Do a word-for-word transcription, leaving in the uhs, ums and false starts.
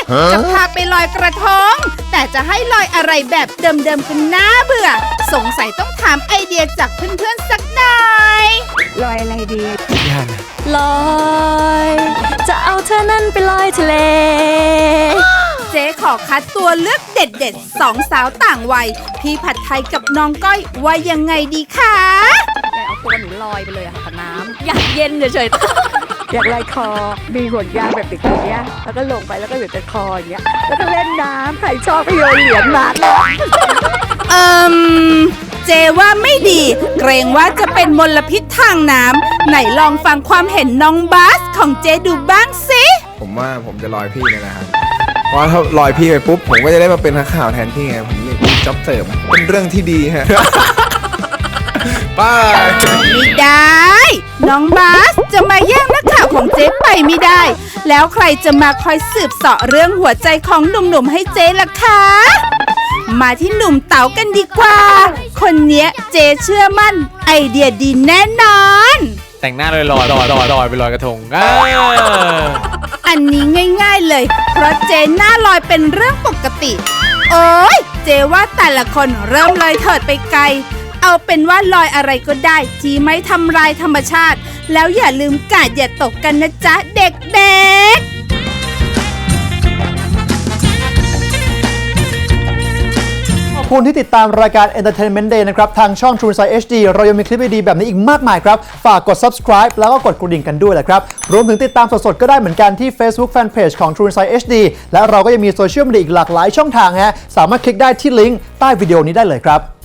จะพาไปลอยกระทงแต่จะให้ลอยอะไรแบบเดิมๆกันน่าเบื่อสงสัยต้องถามไอเดียจากเพื่อนๆสักหน่อยลอยอะไรดีลอยจะเอาเธอนั่นไปลอยทะเลเจ๊ขอคัดตัวเลือกเด็ดๆสองสาวต่างวัยพี่ผัดไทยกับน้องก้อยว่ายังไงดีคะแต่เอาตัวหนูลอยไปเลยอะค่ะกับน้ำอยากเย็นเฉยๆอยากลอยคอมีห่วงยางแบบติดอย่างเงี้ยแล้วก็ลงไปแล้วก็อยู่แต่คออย่างเงี้ยแล้วก็เล่นน้ำใครชอบก็โยนเหรียญมาเอิมเจว่าไม่ดีเกรงว่าจะเป็นมลพิษทางน้ำไหนลองฟังความเห็นน้องบาสของเจดูบ้างสิผมว่าผมจะลอยพี่เนี่ยนะครับเพราะถ้าลอยพี่ไปปุ๊บผมก็จะได้มาเป็นนักข่าวแทนพี่ไงผมมีจ็อบเสริมเป็นเรื่องที่ดีฮะ ป้าไม่ได้น้องบาสจะมาแย่งนักข่าวของเจ๊ไปไม่ได้แล้วใครจะมาคอยสืบเสาะเรื่องหัวใจของหนุ่มๆให้เจ๊ล่ะคะมาที่หนุ่มเต๋ากันดีกว่าคนเนี้ยเจ๊เชื่อมั่นไอเดียดีแน่นอนแต่งหน้าลอยลอยลอยลอยลอยไปลอยกระทงอันนี้ง่ายๆเลยเพราะเจ๊หน้าลอยเป็นเรื่องปกติโอ้ยเจ๊ว่าแต่ละคนเริ่มเลยเถิดไปไกลเอาเป็นว่าลอยอะไรก็ได้ที่ไม่ทำลายธรรมชาติแล้วอย่าลืมกาดอย่าตกกันนะจ๊ะเด็กๆขอบคุณที่ติดตามรายการ Entertainment Day นะครับทางช่อง True Insight เอช ดี เรายังมีคลิปดีๆแบบนี้อีกมากมายครับฝากกด subscribe แล้วก็กดกระดิ่งกันด้วยแหละครับรวมถึงติดตามสดๆก็ได้เหมือนกันที่ Facebook Fanpage ของ True Insight เอช ดี และเราก็ยังมีโซเชียลมีเดียอีกหลากหลายช่องทางฮะสามารถคลิกได้ที่ลิงก์ใต้วิดีโอนี้ได้เลยครับ